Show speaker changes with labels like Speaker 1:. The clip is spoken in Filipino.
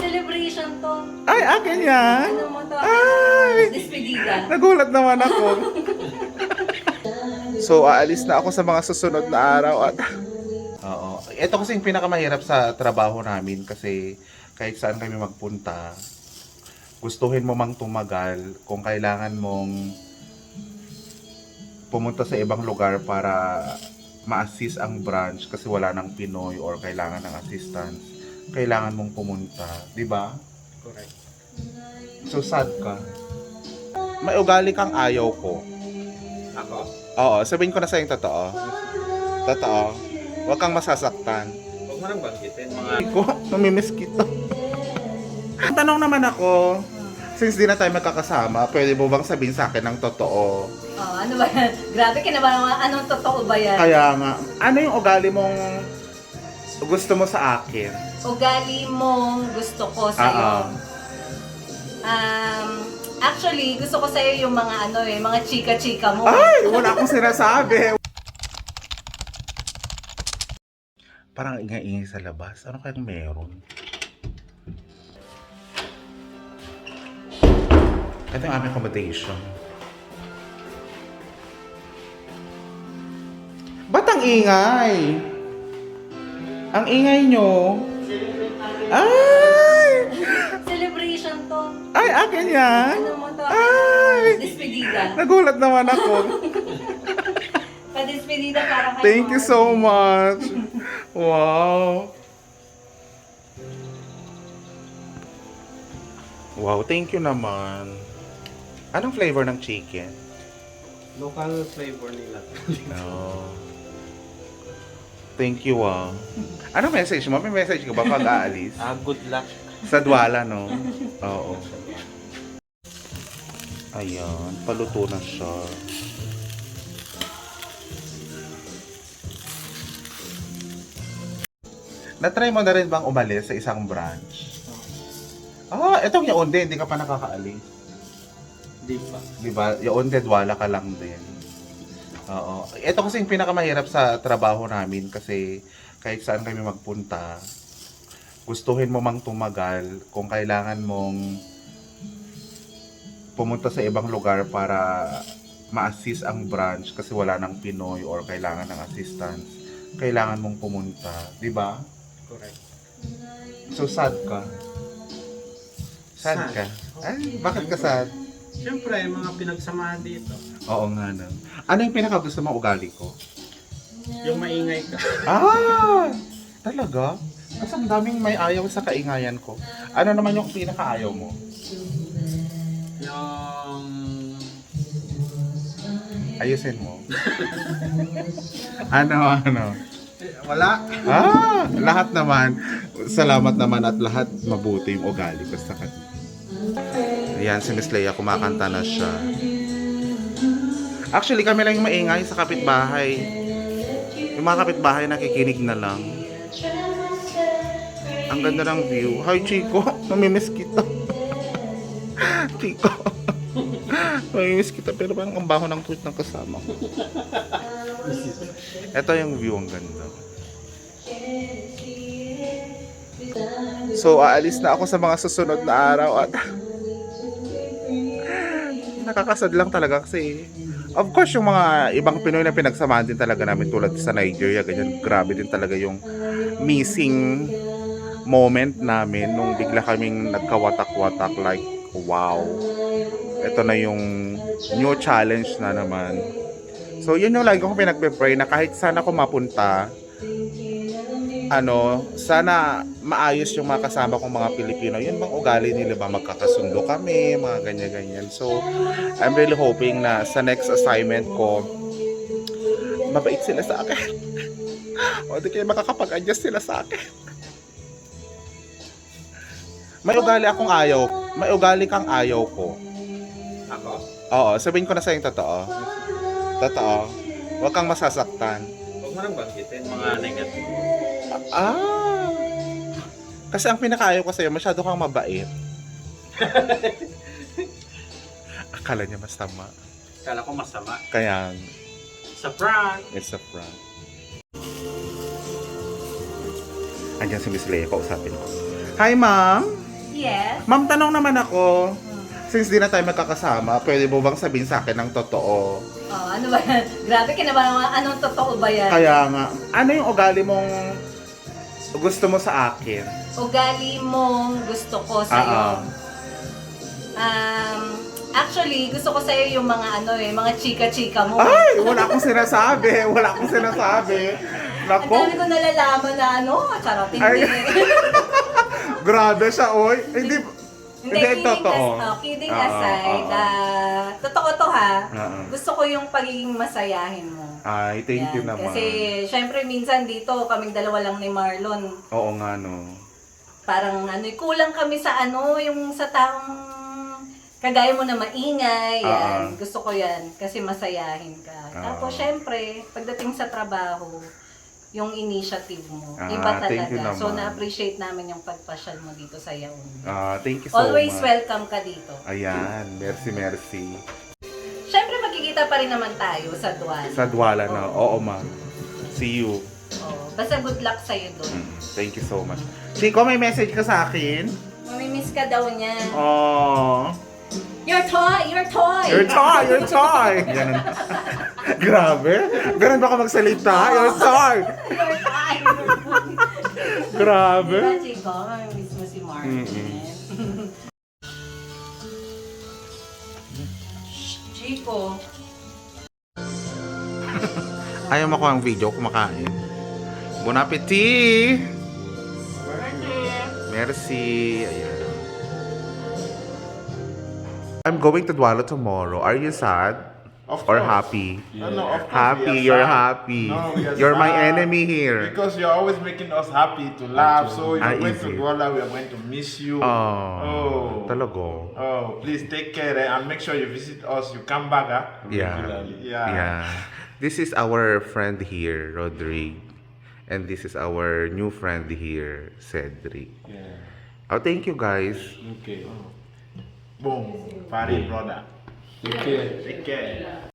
Speaker 1: Celebration to.
Speaker 2: Ay, akin yan.
Speaker 1: Ano mo to?
Speaker 2: Ay!
Speaker 1: Despedida.
Speaker 2: Nagulat naman ako. So, aalis na ako sa mga susunod na araw at... Oo. Ito kasi yung pinakamahirap sa trabaho namin kasi kahit saan kami magpunta, gustuhin mo mang tumagal kung kailangan mong pumunta sa ibang lugar para ma-assist ang branch kasi wala nang Pinoy or kailangan ng assistance, kailangan mong pumunta, di ba?
Speaker 3: Correct.
Speaker 2: So sad ka. May ugali kang ayaw ko.
Speaker 3: Ako?
Speaker 2: Oo, sabihin ko na sa yung totoo. Totoo. Huwag kang masasaktan.
Speaker 3: Huwag mo nang banggitin mga...
Speaker 2: Ko, namimiss kita. Tanong naman ako, since di na tayo magkakasama, pwede mo bang sabihin sa akin ng totoo?
Speaker 1: Oh, ano ba yan? Grabe ka na ba? Anong totoo ba yan?
Speaker 2: Kaya nga, ano yung ugali mong gusto mo sa akin?
Speaker 1: Ugali mong gusto ko sa'yo. Actually, gusto ko sa'yo yung mga mga chika-chika mo.
Speaker 2: Ay, wala akong sinasabi. Parang ingay-ingay sa labas. Ano kayang meron? Ito yung aming accommodation. Ba't ang ingay? Ang ingay nyo? Ay!
Speaker 1: Celebration to.
Speaker 2: Ay, akin yan.
Speaker 1: Ano mo to?
Speaker 2: Ay!
Speaker 1: Despedida.
Speaker 2: Nagulat naman ako.
Speaker 1: Pa-despedida para kay
Speaker 2: Thank you
Speaker 1: Mark.
Speaker 2: so much. Wow. Wow, thank you naman. Anong flavor ng chicken?
Speaker 3: Local flavor nila.
Speaker 2: No. Thank you, Anong message mo? May message ka ba pag aalis?
Speaker 3: Good luck.
Speaker 2: Sa Dwala, no? Oo. Ayan, paluto na siya. Na-try mo na rin bang umalis sa isang branch? Itong Yaonde, hindi ka pa nakakaalis.
Speaker 3: Di pa.
Speaker 2: Diba? Yaonde, Dwala ka lang din. Oo. Ito kasi yung pinakamahirap sa trabaho namin kasi kahit saan kami magpunta, gustuhin mo mang tumagal kung kailangan mong pumunta sa ibang lugar para ma-assist ang branch kasi wala nang Pinoy or kailangan ng assistance, kailangan mong pumunta, di ba?
Speaker 3: Correct.
Speaker 2: So sad ka. Sad
Speaker 3: Sad.
Speaker 2: ka? Ay, bakit ka sad?
Speaker 3: Siyempre, mga pinagsamahan dito.
Speaker 2: Oo nga na. Ano yung pinakagusto mong ugali ko?
Speaker 3: Yung maingay ka.
Speaker 2: Talaga? Kasi ang daming may ayaw sa kaingayan ko. Ano naman yung pinakaayaw mo?
Speaker 3: Yung...
Speaker 2: Ayusin mo. ano?
Speaker 3: Wala.
Speaker 2: Lahat naman. Salamat naman at lahat mabuti yung ugali ko sa kanya. Ayan, si Miss Leia, kumakanta na siya. Actually, kami lang yung maingay sa kapitbahay. Yung mga kapitbahay nakikinig na lang. Ang ganda ng view. Hi, Chico. Namimiss kita. Chico. Namimiss kita pero parang ang baho ng tweet ng kasama ko. Ito yung view, ang ganda. So, aalis na ako sa mga susunod na araw at nakakasad lang talaga kasi of course yung mga ibang Pinoy na pinagsamahan din talaga namin tulad sa Nigeria, ganyan, grabe din talaga yung missing moment namin nung bigla kaming nagkawatak-watak like wow, ito na yung new challenge na naman. So yun yung lagi kong pinagpe-pray na kahit sana ako mapunta, sana maayos yung mga kasama kong mga Pilipino. Yun bang ugali nila ba? Magkakasundo kami, mga ganyan-ganyan. So, I'm really hoping na sa next assignment ko, mabait sila sa akin. O di kayo makakapag-adjust sila sa akin. May ugali kang ayaw ko.
Speaker 3: Ako?
Speaker 2: Oo, sabihin ko na sa yung totoo. Totoo. Huwag kang masasaktan.
Speaker 3: Huwag mo nang banggitin mga negative.
Speaker 2: Kasi ang pinakaayaw ko sa'yo, masyado kang mabait. Akala niya masama.
Speaker 3: Kala ko masama.
Speaker 2: Kaya,
Speaker 3: Sa prank.
Speaker 2: it's a prank. Andiyan si Miss Leia, kausapin ko. Hi, ma'am!
Speaker 1: Yes.
Speaker 2: Ma'am, tanong naman ako. Since di na tayo magkakasama, pwede mo bang sabihin sa akin ng totoo?
Speaker 1: Oh, ano ba yan? Grabe, kinabahan. Anong totoo ba yan?
Speaker 2: Kaya nga, ano yung ugali mong gusto mo sa akin?
Speaker 1: Ugali mong gusto ko sa'yo. Actually, gusto ko sa'yo yung mga mga chika-chika mo.
Speaker 2: Ay! Wala akong sinasabi! Wala akong sinasabi!
Speaker 1: Ang
Speaker 2: Nako!
Speaker 1: dami ko nalalaman na charot,
Speaker 2: Ay.
Speaker 1: hindi.
Speaker 2: Grabe siya, oy! Hindi,
Speaker 1: Kidding aside, totoo to ha.
Speaker 2: Oo.
Speaker 1: Gusto ko yung pagiging masayahin mo.
Speaker 2: Ay, thank you
Speaker 1: Yan.
Speaker 2: naman.
Speaker 1: Kasi, syempre, minsan dito, kaming dalawa lang ni Marlon.
Speaker 2: Oo nga, no.
Speaker 1: Parang, kulang kami sa yung sa taong kagaya mo na maingay. Yan. Gusto ko yan. Kasi masayahin ka. Tapos, syempre, pagdating sa trabaho, yung initiative mo. Iba
Speaker 2: thank you
Speaker 1: talaga.
Speaker 2: naman.
Speaker 1: So, na-appreciate namin yung pagpasyal mo dito sa Yaon.
Speaker 2: Thank you so
Speaker 1: Always
Speaker 2: much.
Speaker 1: welcome ka dito.
Speaker 2: Ayan, merci.
Speaker 1: Syempre, magkikita pa rin naman tayo sa Dual.
Speaker 2: Sa Duala na. Oo, ma'am. See you.
Speaker 1: Basta good luck sa'yo doon.
Speaker 2: Thank you so much. Chico, may message ka sa akin?
Speaker 1: Mamimiss ka daw niya.
Speaker 2: Oh.
Speaker 1: Your toy! Your toy!
Speaker 2: Your toy! Ganun. Grabe. Ganun ba ka magsalita? Your toy!
Speaker 1: Your toy!
Speaker 2: Grabe.
Speaker 1: Diba, Chico? Mamimiss mo si Martin. Chico.
Speaker 2: Ayaw mo ko ang video kumakain. Bon appetit! Merci. Ayan. I'm going to Dualo tomorrow. Are you sad?
Speaker 4: Of
Speaker 2: Or
Speaker 4: course.
Speaker 2: happy?
Speaker 4: No, of course
Speaker 2: Happy,
Speaker 4: we are
Speaker 2: you're
Speaker 4: sad.
Speaker 2: happy.
Speaker 4: No, we are
Speaker 2: You're my
Speaker 4: sad
Speaker 2: enemy here.
Speaker 4: Because you're always making us happy to laugh. So you're going to
Speaker 2: easy.
Speaker 4: Douala, we are going to miss you.
Speaker 2: Oh. Talaga.
Speaker 4: Oh, please take care and make sure you visit us. You come back,
Speaker 2: Yeah.
Speaker 4: regularly.
Speaker 2: Yeah. This is our friend here, Rodrigue. And this is our new friend here, Cedric.
Speaker 4: Yeah.
Speaker 2: Oh, thank you guys.
Speaker 4: Okay. Boom. Party, brother. Take care. Take care.